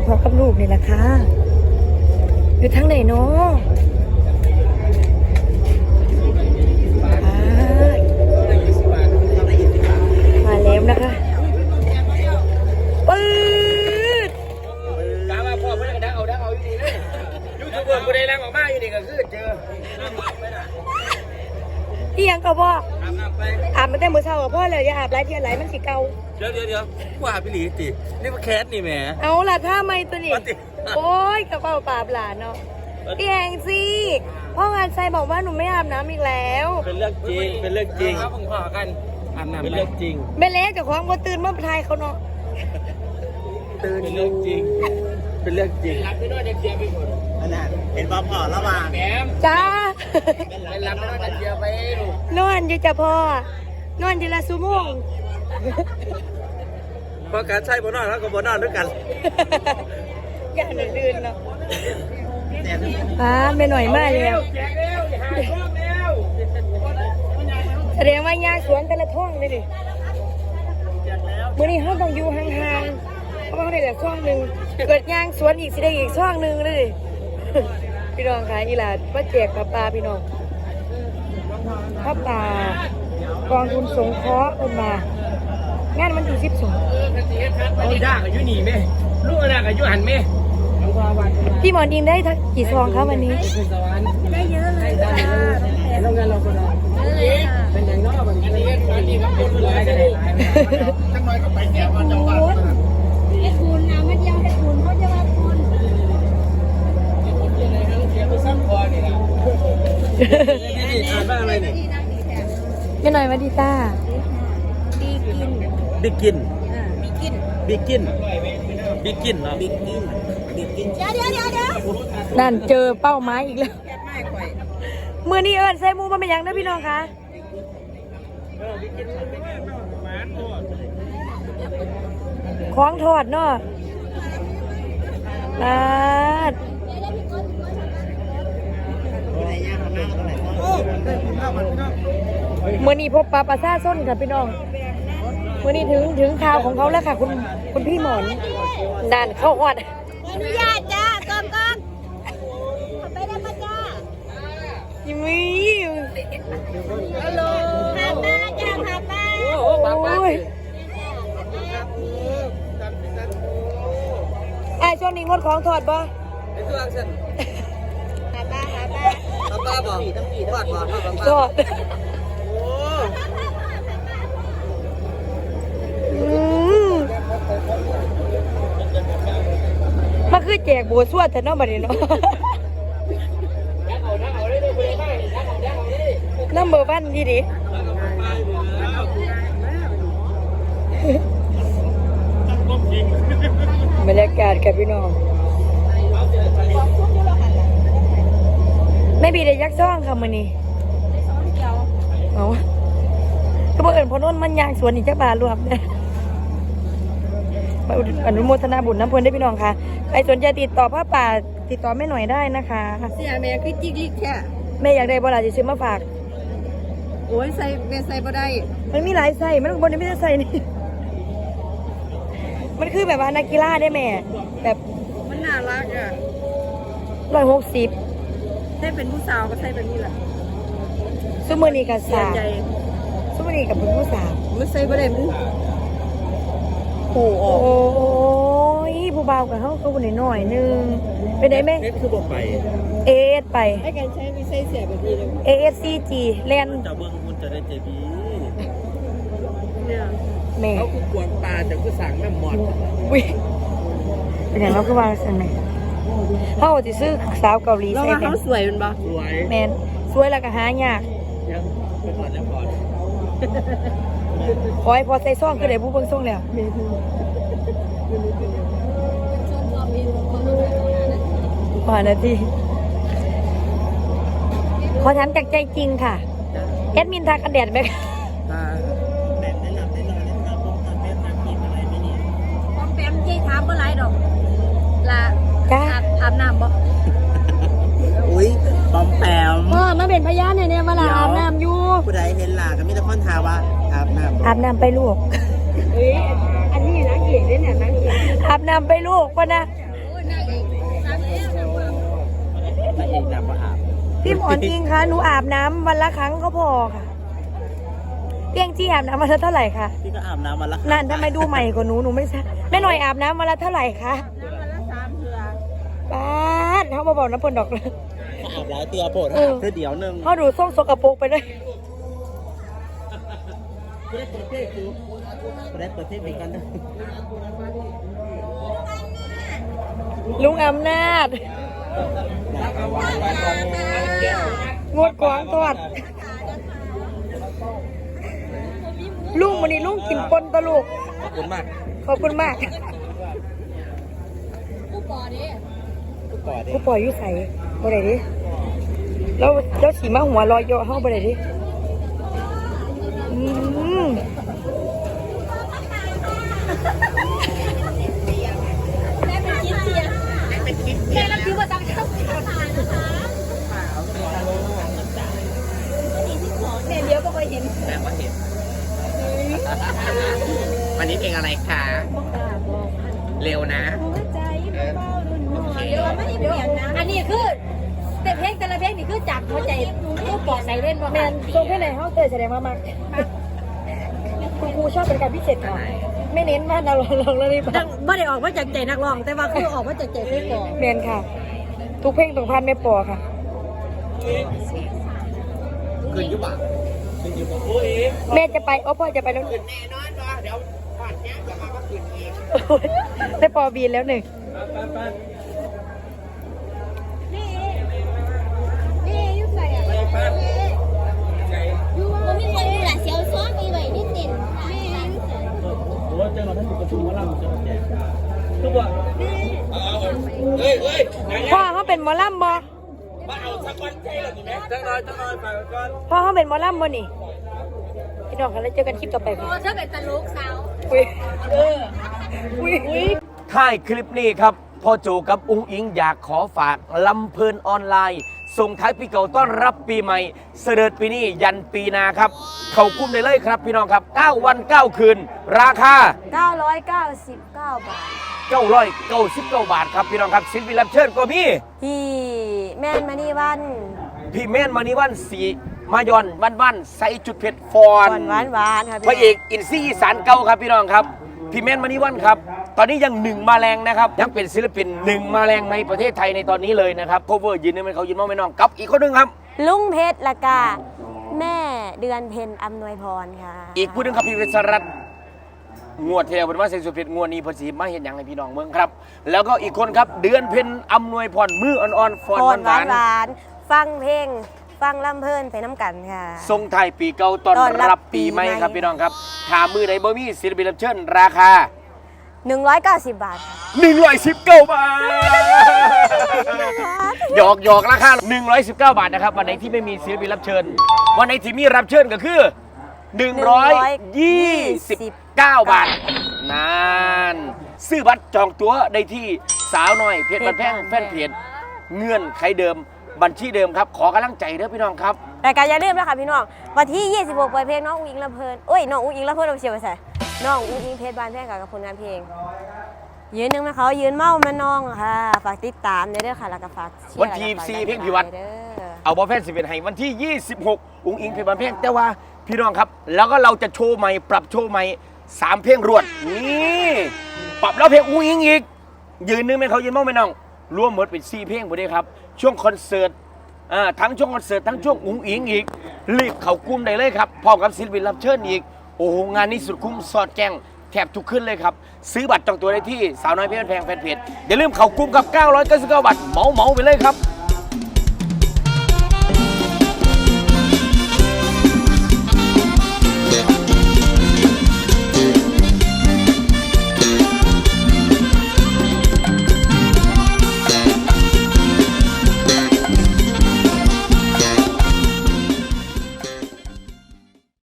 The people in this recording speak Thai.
พอกับลูกนี่แหละค่ะอยู่ทั้งไหนเนาะมาแล้วนะคะปื๊ดกาว่าพ่อเพื่อนดังเอาอยู่นี่เลยยูทูบเบอร์กูได้ดังออกมาอยู่นี่ก็คือเจอที่ยังก็พ่ออาบน้ำไปอาบมาแต่เมื่อเช้ากับพ่อเลยอย่าอาบหลายเทียนหลายมันสิเก่าเดี๋ยวว่าพี่หลีตินี่มาแคสนี่แหมเอาล่ะถ้าไม่ตัวนี้โอ้ยกระเป๋าปราบหลานเนาะพี่แองซี่พ่องานไซบอกว่าหนูไม่อาบน้ำอีกแล้วเป็นเรื่องจริงครับผมขอกันอาบน้ำเป็นเรื่องจริงไม่เละกับของก็ตื่นเมื่อไทยเขาเนาะตื่นเป็นเรื่องจริงรับไม่ได้เดียวไปหมดนั่นเห็นพ่อระหว่างแหมจ้าเป็นรับไม่ได้เดียวไปลูกนอนอยู่จ้ะพ่อนอนทีละชั่วโมงพอการใช้บนนอนแล้วก็บนนอนด้วยกันอย่าลื่นเนาะไม่หน่อยมากเลยแสดงว่ายาสวนแต่ละท่องเลยดิมื้อนี้เขาต้องอยู่ห่างๆเพราะว่าเขาได้แต่ช่องหนึ่งเกิดยางสวนอีกสิได้อีกช่องหนึ่งเลยพี่น้องค่ะอีหลาป้าแจกปลาพี่น้องข้าวปลากองทุนสงเคราะห์คนมางานมันอยู่12 เอายากอายุหนีไหมลูกยากอายุหันไหมพี่หมอดีมได้กี่ซองครับวันนี้ได้เยอะเลยค่ะโรงงานเราก็ได้เป็นอย่างนอกแบบนี้ก็พูดเลยกันเลยจังหน่อยก็ไปแก้วมันจะว่าให้คุณนะไม่เดียวให้คุณเขาจะว่าคุณเสียไปซ้ำคอนี่นะอ่านว่าอะไรเนี่ยไม่หน่อยมาดีต้าบิกินเนาะบิกินเดี๋ยวนั่นเจอเป้าไม้อีกแล้วมือนี้เอิญใส่มูมันเป็นยังนะพี่น้องคะคล้องทอดเนาะลาดมือนี้พบปลาซ่าส้นค่ะพี่น้องมือนี้ถึงข่าวของเขาแล้วค่ะคุณพี่หมอนด่านเข้าวัดอนุญาตจ้าก่อนไปได้มาจ้ายิ้มฮัลโหลหาป้าจ้าหาป้าโอ้ยช่วงนี้งดของทอดป่ะไอ้ตัวอักษรหาป้าบอกทอดทอดมันคือแจกบัวสวดแต่นอกบัดนี้เนาะน้ำเบอร์บ้านดีดิบรรยากาศกับพี่น้องไม่บีได้ยักษ์ซ่องค่ะมือนี้เอาก็บอกเอิญพอนนมันยางสวนอีกจักบาทรวมเนี่ยอนุโมทนาบุญน้ำพลได้พี่น้องค่ะใครสนใจติดต่อผ้าป่าติดต่อแม่หน่อยได้นะคะเสียแม่คือจิ๊กแค่แม่อยากได้บอลาจะซื้อมาฝากโอ้ยใส่แม่ใส่บ่ได้มันมีหลายไส้มันบนนี้ไม่ได้ใส่นี่มันคือแบบว่านักกีฬาได้แม่แบบมันน่ารักอ่ะ 160 ใส่เป็นผู้สาวก็ใส่แบบนี้แหละซุมเมอร์นี่กับสาวซุมเมอร์นี่กับผู้สาวมันใส่บ่ได้มันโอ้ยผู้บ่าวกับเขาคนหน่อยนึงไปได้ไหมคือบอกไปเอสไปให้การใช้ไม่ใส่เสียแบบนี้เลย ASCG แลนจะเบิ้งคุณจะได้เจบีเนี่ยแม่เขาคือกวนปลาจะคือสั่งแม่หมดวิเป็นอย่างเราคือว่าสันไหมเขาจะซื้อสาวเกาหลีใส่เขาสวยมันบ่สวยแมนสวยแล้วก็หายากยังไปก่อนแล้วก่อนขอให้พอใส่ซ่องก็ได้ผู้เบิ่งซ่องแล้ว5 นาทีขอถามจากใจจริงค่ะแอดมินทากันแดดไหมคะป้อมแปมใจถามเมื่อไรดอกละอาบน้ำบ่อุ้ยป้อมแปมมาเป็นพยานเนี่ยมาละอาบน้ำอยู่ผู้ใดเห็นล่ะก็มีแต่คนถามว่าอาบน้ำไปลูกอันนี้นักเอกเนี่ยนักเอกอาบน้ำไปลูกป่ะนะพระเอกดำมาอาบพี่หมอนอิงคะหนูอาบน้ำวันละครั้งก็พอค่ะเพียงจี้อาบน้ำวันละเท่าไหร่คะพี่ก็อาบน้ำมาละนั่นทำไมดูใหม่กว่าหนูไม่ใช่แม่หน่อยอาบน้ำวันละเท่าไหร่คะป้าดเขามาบอกน้ำปนดอกเลยอาบหลายเตือโปรดอาบเพื่อเดี๋ยวนึงเขาดูส้มสกปรกไปเลยไม่ได้เปิดเพลงคือไม่ได้เปิดเพลงเหมือนกันนะลุงอำนาจงดกวางทอดลุงวันนี้ลุงกินปนตะลูกขอบคุณมากขอบคุณมากกูปอดิกูปล่อยอยู่ใส่บ่ได้ดิแล้วสีมาหัวลอยเยอะเฮาบ่ได้ดิอืมแม่รับถือว่าจังเจ้าแม่เลี้ยวก็เคยเห็นแม่ว่าเห็นวันนี้เพลงอะไรคะเร็วนะเดี๋ยวไม่ได้เปลี่ยนนะอันนี้คือแต่เพลงแต่ละเพลงนี่คือจากหัวใจผู้ปอดใส่เล่นบ่แม่นส่งให้ไหนเฮาเตยแสดงว่ามากคุณครูชอบเป็นการพิเศษค่ะไม่เน้นว่าเราลองแล้วนี่ไม่ได้ออกมาจากใจนักร้องแต่ว่าคือออกมาจากใจเพลงก่อนแม่นค่ะ ทุกเพลงต้องผ่านแม่ปอค่ะคืนยุบอ่ะคืนยุบอ่ะโอ้ยแม่จะไปพ่อจะไปแล้วแน่นอนว่าเดี๋ยวผ่านเนี้ยจะมาก็คืนเองแม่ปอบีนแล้วหนึ่งนี่ยุ่งใส่อะไปป้ามันมีคนอยู่หลายเสียวซ้อนมีไว้นิดเด่นนี่ยุ่งใส่โอ้เจอมาท่านอยู่ประชุมมาล่ำจะมาแจกทุกวันเฮ้ยไหนพ่อเขาเป็นหมอลำบ่มาเอาสักวันใจหรอไหมจังหน่อยไปก่อนพ่อเขาเป็นหมอลำบ่นี่พี่น้องคะแล้วเจอกันคลิปต่อไปค่ะโอ้เธอเป็นตลกสาวอุ้ยอุ้ยท้ายคลิปนี้ครับพ่อโจกับอุ้งอิงอยากขอฝากลำเพลินออนไลน์ส่งท้ายปีเก่าต้อนรับปีใหม่เสด็จปีนี้ยันปีหนาครับ เขากุ้มได้เลยครับพี่น้องครับ 9 วัน 9 คืน ราคา 999 บาท 999 บาทครับพี่น้องครับศิลปินรับเชิญก็มีพี่แม่นมานี่วันพี่เม่นมานิวันสีมายอนวันใส่จุดเผ็ดฟอนหวานครับพระเอกอินซี่อีสานเก่าครับพี่น้องครับพี่เม่นมานิวันครับตอนนี้ยังหนึ่งมาแรงนะครับยังเป็นศิลปินหนึ่งมาแรงในประเทศไทยในตอนนี้เลยนะครับโคเวอร์ยืนนึงเป็นเขายืนมองไม่น้องกับอีกคนหนึงครับลุงเพชรละกาแม่เดือนเพ็ญอำนวยพรค่ะอีกผู้หนึงครับพี่เวชรัตน์งวดเทวเป็นว่าเซนสุเพชรงวดนี้เพอสีมาเห็นอย่างให้พี่น้องเมืองครับ แล้วก็อีกคนครับเดือนเพ็ญอำนวยพรมืออ่อนๆฟอนพรหวาหวานนฟังเพลงฟังลำเพลินไปน้ำกันค่ะๆทรงไทายปีเก่าต้อนต้อนรัรับบปีปีใหม่ใหม่ครับพี่น้องครับถามมือไหนบ่มีศิลปินรับเชิญราคา 190 บาทค่ะ 119 บาท หยอกราคา 119 บาทนะครับ วันไหนที่ไม่มีศิลปินรับเชิญ วันไหนที่มีรับเชิญก็คือ 129 บาทนานซื้อบัตรจองตั๋วได้ที่สาวน้อยเพจบันแพงแฟนเพจเงื่อนไขเดิมบัญชีเดิมครับ ขอกำลังใจเด้อพี่น้องครับรายการอย่าลืมนะคะพี่น้องวันที่ 26ปล่อยเพลงน้องอุ้งอิงลำเพลินโอ้ยน้องอุ้งอิงลำเพลินเราเชียร์ไปใส่น้องอุ้งอิงเพชรบานแพงกับผลงานเพลงยืนหนึ่งมาเขายืนเมามาน้องค่ะฝากติดตามเด้อค่ะแล้วก็ฝากเชียร์วันที่แล้วก็ฝาก 4เพลงพิวัตรเด้อเอาบอลแฟน11ให้วันที่ 26 อุ้งอิงเพลงบันเพลงแต่ว่าพี่น้องครับ แล้วก็เราจะโชว์ใหม่ปรับโชว์ใหม่3เพลงรวดนี่ปรับแล้วเพลงอุ้งอิงอีกยืนนึงเป็นเขายืนมองไม่น้องรวมหมดเป็น4เพลงหมดเลยครับช่วงคอนเสิร์ตทั้งช่วงคอนเสิร์ตทั้งช่วงอุ้งอิงอีกรีบเข้ากลุ่มได้เลยครับพร้อมกับศิลปินรับเชิญอีกโอ้โหงานนี้สุดคุ้มสอดแจ้งแทบทุกขึ้นเลยครับซื้อบัตรจองตัวได้ที่สาวน้อยเพชรแพงแฟนเพจอย่าลืมเข้ากลุ่มกับ999 บาทเหมาไปเลยครับ